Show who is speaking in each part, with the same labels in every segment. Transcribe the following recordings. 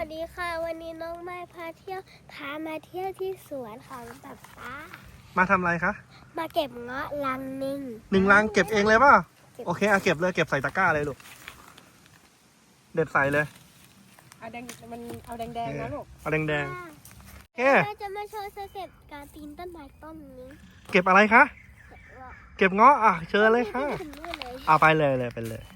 Speaker 1: สดีค่ะวันนี้น้องไม้พามาเที่ยวที่สวนของป๊า
Speaker 2: มาทำอะไรคะ
Speaker 1: มาเก็บเงาะลังหนึ่ง
Speaker 2: ลังเก็บเองเลยป่ะโอเคเอาเก็บเลยเก็บใส่ตะกร้าเลยลูกเด็ดใส่เลย
Speaker 3: เอาแดงมันเอาแดงๆนะลูก
Speaker 2: เอาแดงโอเค
Speaker 1: เราจะมาโชว์สเต็ปการปีนต้นไม้ต้นนี้
Speaker 2: เก็บอะไรคะเก็บเงาะอ่ะเชิญเลยค่ะ
Speaker 1: ถึงนู่นเลย
Speaker 2: เอาไปเลยไปเลย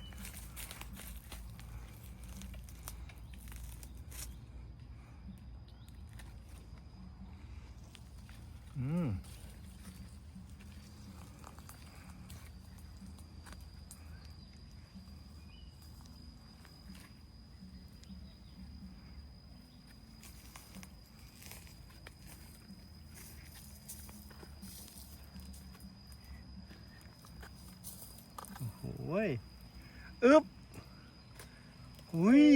Speaker 2: โอ้ยอึ๊บอุ้ย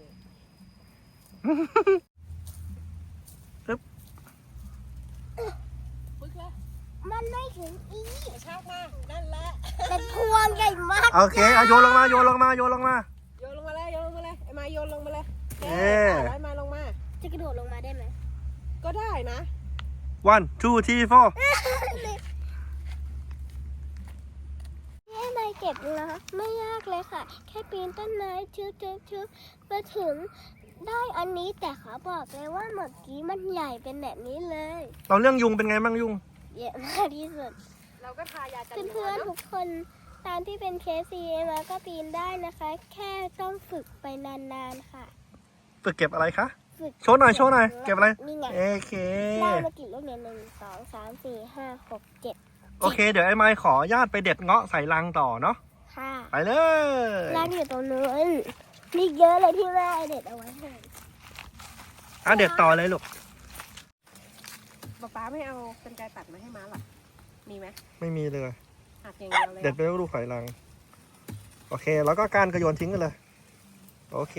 Speaker 3: ปึ๊กเลย
Speaker 1: มันไม่ถึงอี
Speaker 3: กระชากมานั่นแหละ
Speaker 1: เป็นพวงใหญ่มาก
Speaker 2: โอเคเอาโยนลงมา
Speaker 3: โยนลงมาเลยไอ้มาโยนลงมาเลยไอ้มาลงมา
Speaker 1: จะกระโดดลงมาได้ไหม
Speaker 3: ก็ได้นะ
Speaker 2: 1 2 3 4
Speaker 1: นี่ไม้เก็บนะไม่ยากเลยค่ะ แค่ปีนต้นไม้ชึบมาถึงได้อันนี้แต่เขาบอกเลยว่าเมื่อกี้มันใหญ่เป็นแบบนี้เลย
Speaker 2: เราเรื่องยุงเป็นไงบ้างยุง
Speaker 1: เยอะมากที่สุด
Speaker 3: เราก็ทายากัน
Speaker 1: เพื่อนๆทุกคนตามที่เป็นเคสมาก็ปีนได้นะคะ แค่ต้องฝึกไปนานๆค่ะ
Speaker 2: ฝึกเก็บอะไรคะ
Speaker 1: ฝึก
Speaker 2: โชว์หน่อยเก็บอะไร
Speaker 1: นี่ไง
Speaker 2: โอเค
Speaker 1: ได้มากี่ลูกเนี่ย1 2 3 4 5 6 7
Speaker 2: โอเคเดี๋ยวไอ้ไม้ขอญาตไปเด็ดเงาะใส่ลังต่อเนาะ
Speaker 1: ค่ะ
Speaker 2: ไปเลย
Speaker 1: ร้านอยู่ตรงนู้นมีเยอะเลยที่แม่เด็ดเอาไว้ให้
Speaker 2: เด็ดต่อเลยลูก
Speaker 3: ป๊าไม่เอาเป็นไกรตัดมาให้ม้าหรอมีไหม
Speaker 2: ไม่มีเลย
Speaker 3: หักอย่างเดียวเลย
Speaker 2: เด็ดไปแล้วลูกใส่ลังโอเคแล้วก็การกระโยนทิ้งกันเลยโอเค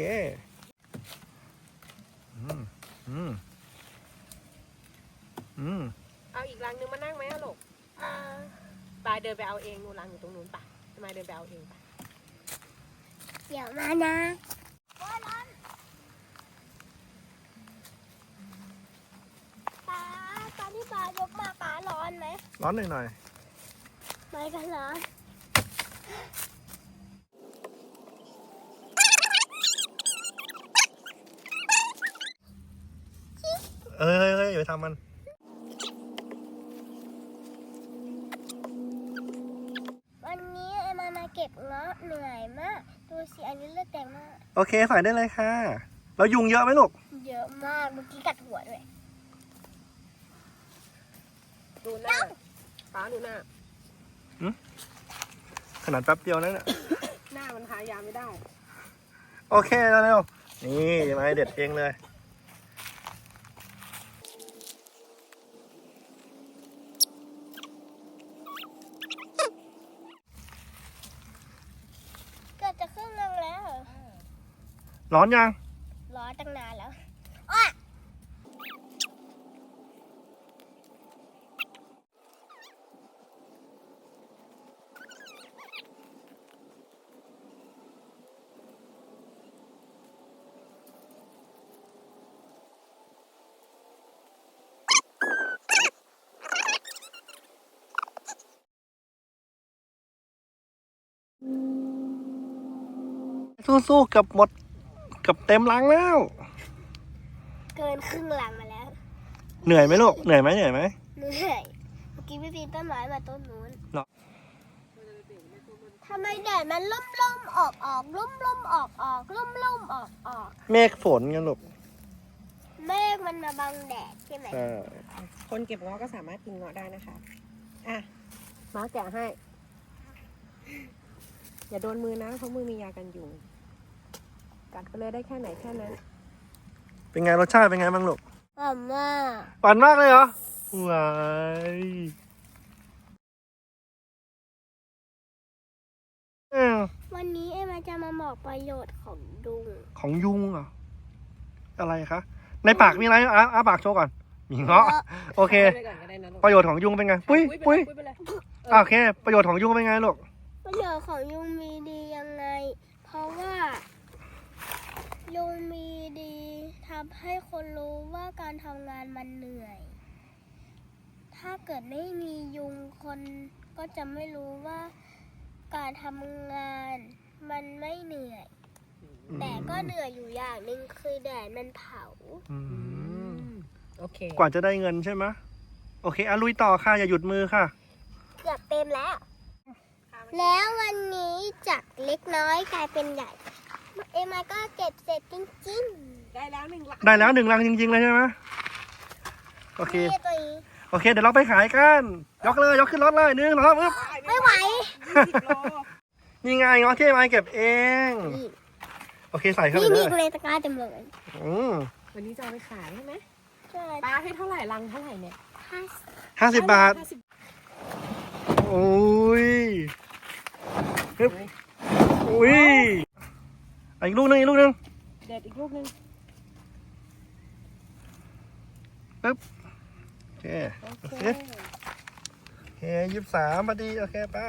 Speaker 3: เอาอีกรังนึงมานั่งไหมอะลูกปาเดินไปเอาเองนู่นรังอยู่ตรงนู้นป่ะมาเดินไปเอาเองป่ะ
Speaker 1: เดี๋ยวมานะป้าตอนที่ป้ายกมาป้าร้อนไหม
Speaker 2: ร้อนหน่อย
Speaker 1: ไม่กันเหรอ
Speaker 2: เอ้ยอย่าไปทำมัน
Speaker 1: วันนี้ไอ้มาเก็บเงาะเหนื่อยมากดูสิอันนี้เลือดแดงมาก
Speaker 2: โอเคใส่ได้เลยค่ะแล้วยุงเยอะไหมลูก
Speaker 1: เยอะมากเมื่อกี้กัดหัวด้วย
Speaker 3: ดูหน้าป้าดูหน้า
Speaker 2: ขนาดแป๊บเดียวนั่นแหละ
Speaker 3: หน้ามันทายาไม่ได้
Speaker 2: โอเคเร็วๆนี่ไม้เด็ดเองเลย
Speaker 1: เกือบจะครึ่งนึงแล้ว
Speaker 2: ร้อนยัง
Speaker 1: รอตั้งนานแล้ว
Speaker 2: สู้ๆกับหมดกับเต็มลังแล้ว
Speaker 1: เกินครึ่งหลังมาแล้ว
Speaker 2: เหนื่อยไหมลูกเหนื่อยไหม
Speaker 1: เหนื่อยเมื่อกี้พี่ปีนต้นไม้มาต้นนู้น
Speaker 2: เนาะ
Speaker 1: ทำไมแดดมันล่มออกล่มออกล่มออก
Speaker 2: เมฆฝนกันลูก
Speaker 1: เมฆมันมาบังแดดใช่ไหม
Speaker 2: ใช่
Speaker 3: คนเก็บเงาะก็สามารถกินเงาะได้นะคะอ่ะม้าแกะให้ อย่าโดนมือนะเพราะมือมียากันยุงกัดไปเลยได้แค่ไหนแค่นั้น
Speaker 2: เป็นไงรสชาติเป็นไงบ้างลูก
Speaker 1: หอมมาก
Speaker 2: หวานมากเลยเหรอว้าย
Speaker 1: วันนี้เอ็มจะมาบอกประโยชน์ของดุง
Speaker 2: ของยุงเหรออะไรคะในปากมีอะไรอ้าปากโชว์ก่อนมีเงาะโอเค
Speaker 3: ไปก่อนก็ได้นะลูก
Speaker 2: ประโยชน์ของยุงเป็นไงปุ้ย
Speaker 3: ไปเลย
Speaker 2: โอเค ประโยชน์ของยุงเป็นไงลูก
Speaker 1: ประโยชน์ของยุงมีดียังไง เพราะว่ายุงมีดีทำให้คนรู้ว่าการทำงานมันเหนื่อย ถ้าเกิดไม่มียุงคนก็จะไม่รู้ว่าการทำงานมันไม่เหนื่อย แต่ก็เหนื่อยอยู่อย่างหนึ่งคือแดดมันเผา
Speaker 2: อืม
Speaker 3: โอเค
Speaker 2: กว่าจะได้เงินใช่ไหมโอเคลุยต่อค่ะอย่าหยุดมือค่ะ
Speaker 1: เกือบเต็มแล้ว แล้ววันนี้จากเล็กน้อยกลายเป็นใหญ่ เอ็มมาก็เก็บเสร็จจริง
Speaker 3: ได้แล้ว1 ลัง
Speaker 2: ได้แล้ว1 ลังจริงๆเลยใช่ไหมโอ
Speaker 1: ๆ
Speaker 2: เค
Speaker 1: นี่ตัวนี้
Speaker 2: โอเคเดี๋ยวเราไปขายกันยกเลยยกขึ้นรถเลย1 2 3ปึ๊บ
Speaker 1: ไม่ไหว
Speaker 3: 20 โล
Speaker 2: นี่ไงเงาะที่ไม้เก็บเอง
Speaker 1: นี่
Speaker 2: โอเคใส่เข้าไป
Speaker 1: นี่
Speaker 2: เล
Speaker 1: มี
Speaker 2: ย
Speaker 1: เลยตะกร้าเต็มเลย
Speaker 2: อืม
Speaker 3: วันนี้จะเอาไปขายใช่ไหม
Speaker 1: ใช่
Speaker 3: ปลาให้เท่าไหร่ลังเท่าไหร่เนี่ย
Speaker 2: 50 บาท
Speaker 3: 50
Speaker 2: โอ้ยปึ๊บอุ้ยอีกลูกหนึง
Speaker 3: เด็ดอีกลูกนึง
Speaker 2: ปึ๊บโอเค
Speaker 3: โอเค
Speaker 2: โอเค23พอดีโอเคไป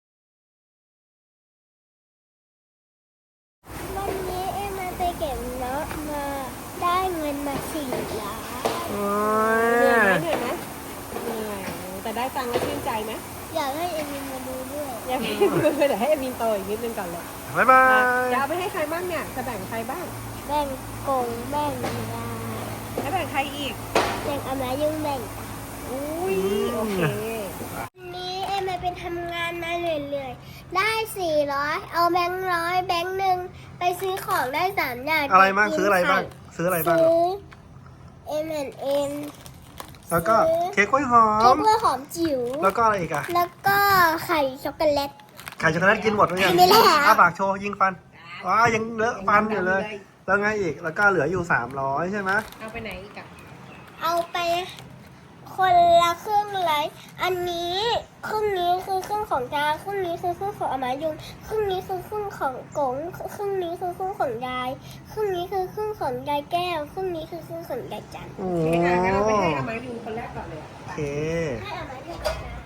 Speaker 1: วันนี้เอ็มมาไปเก็บเงาะมาได้เงินมา4 ล้าน
Speaker 2: โอ้
Speaker 3: เหนื่อย
Speaker 2: ย
Speaker 3: ไหมเหนื่อยไหมเหนื่อยแต่ได้ตังค์แล้วชื่นใจไหม
Speaker 1: อยากให้เอ็มมาดูด้วย
Speaker 3: ยังไม่ดูเดี๋ยวให้เอมินโตอีกนิดนึงก่อนเลย
Speaker 2: บ๊ายบาย
Speaker 3: จะเอาไปให้ใครบ้างเนี่ยจะแบ่งใครบ้าง
Speaker 1: แบ่งกงแบ่งยา
Speaker 3: แล้วแบ่งใครอีก
Speaker 1: แบ่งอามายุ่งแบ่ง
Speaker 3: อุ้ยโอเค
Speaker 1: วันนี้เอ็มมาเป็นทำงานมาเรื่อยๆ ได้400เอาแบงค์ร้อยแบงค์หนึ่งไปซื้อของได้3 อย่าง
Speaker 2: อะไรบ้างซื้ออะไรบ้างซื้ออะไรบ้าง
Speaker 1: ซื้อ M&M
Speaker 2: แล้วก็เค้กกล้วยหอ
Speaker 1: เค้ก
Speaker 2: ม
Speaker 1: กล้วยหอมจิ๋ว
Speaker 2: แล้วก็อะไรอีกอะ
Speaker 1: แล้วก็ไข่ช็อกโกแลต
Speaker 2: ไข่ช็อกโกแลตกินหมดหรือยัง
Speaker 1: กินไปแล้ว
Speaker 2: อ้าปากโชว์ยิงฟันอ๋อยังเลอะฟันอยู่เลย แล้วไงอีกแล้วก็เหลืออยู่300ใช่ไหม
Speaker 3: เอาไปไหนอีกอะ
Speaker 1: เอาไปคนละครึ่งเลยอันนี้ครึ่งนี้คือครึ่งของจาครึ่งนี้คือครึ่งของอามายุงครึ่งนี้คือครึ่งของกงครึ่งนี้คือครึ่งของยายครึ่งนี้คือครึ่งของยายแก้วครึ่งนี้คือครึ่งของยายจันทร์
Speaker 2: โอ้
Speaker 3: โอเคค่ะงั้นเราไปให้อามายูคนแรกก่อนเลย
Speaker 2: โอเค
Speaker 1: ให้อามายุงก่อนนะ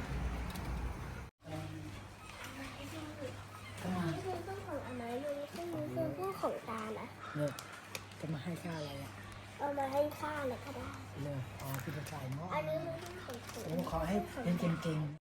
Speaker 1: นี่คือครึ่งของอามายุงครึ่งนี้คือครึ่งของตานะ
Speaker 4: เนี่ยจะมาให้ค่าอะไรอ่ะ
Speaker 1: เอามาให้ข้าเลยก็ได้
Speaker 4: เลยอ๋อคือจะจ่ายเนาะ
Speaker 1: อันนี้คือครึ่งของ
Speaker 4: ผมขอให้เรียนเก่งๆ